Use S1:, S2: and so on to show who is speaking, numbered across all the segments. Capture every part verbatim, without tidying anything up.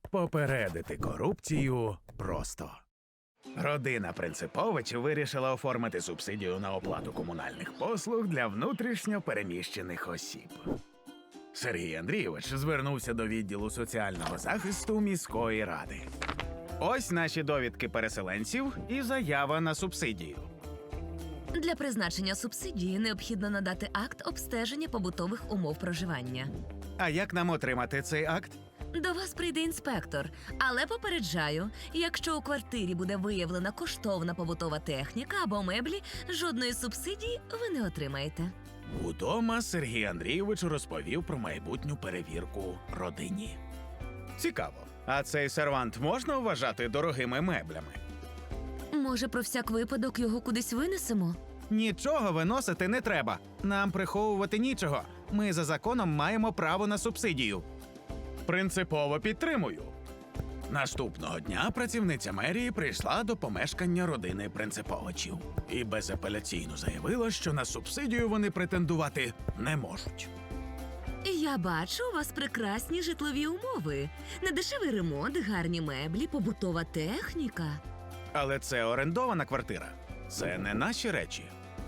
S1: Попередити корупцію просто. Родина Принциповичів вирішила оформити субсидію на оплату комунальних послуг для внутрішньо переміщених осіб. Сергій Андрійович звернувся до відділу соціального захисту міської ради. Ось наші довідки переселенців і заява на субсидію.
S2: Для призначення субсидії необхідно надати акт обстеження побутових умов проживання.
S1: А як нам отримати цей акт?
S2: До вас прийде інспектор, але попереджаю, якщо у квартирі буде виявлена коштовна побутова техніка або меблі, жодної субсидії ви не отримаєте.
S1: Удома Сергій Андрійович розповів про майбутню перевірку родині. Цікаво. А цей сервант можна вважати дорогими меблями?
S2: Може, про всяк випадок його кудись винесемо?
S1: Нічого виносити не треба. Нам приховувати нічого. Ми за законом маємо право на субсидію. Принципово підтримую. Наступного дня працівниця мерії прийшла до помешкання родини Принциповичів і безапеляційно заявила, що на субсидію вони претендувати не можуть.
S2: Я бачу, у вас прекрасні житлові умови. Недешевий ремонт, гарні меблі, побутова техніка.
S1: Але це орендована квартира. Це не наші речі.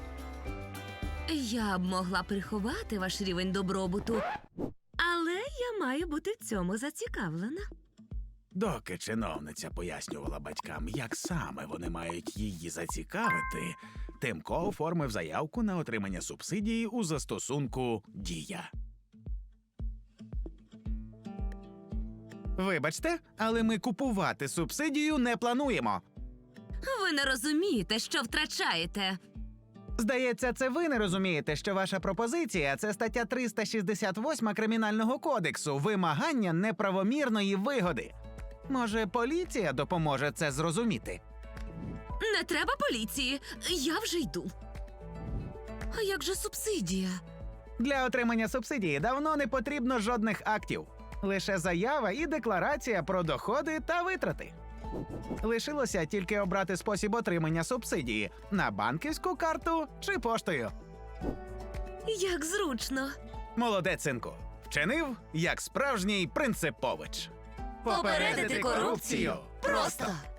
S2: Я б могла приховати ваш рівень добробуту, але я маю бути в цьому зацікавлена.
S1: Доки чиновниця пояснювала батькам, як саме вони мають її зацікавити, Тимко оформив заявку на отримання субсидії у застосунку «Дія». Вибачте, але ми купувати субсидію не плануємо.
S2: Ви не розумієте, що втрачаєте.
S1: Здається, це ви не розумієте, що ваша пропозиція – це стаття триста шістдесят восьма Кримінального кодексу – вимагання неправомірної вигоди. Може, поліція допоможе це зрозуміти?
S2: Не треба поліції, я вже йду. А як же субсидія?
S1: Для отримання субсидії давно не потрібно жодних актів. Лише заява і декларація про доходи та витрати. Лишилося тільки обрати спосіб отримання субсидії – на банківську карту чи поштою.
S2: Як зручно.
S1: Молодець, синку. Вчинив, як справжній Принципович.
S2: Попередити корупцію просто.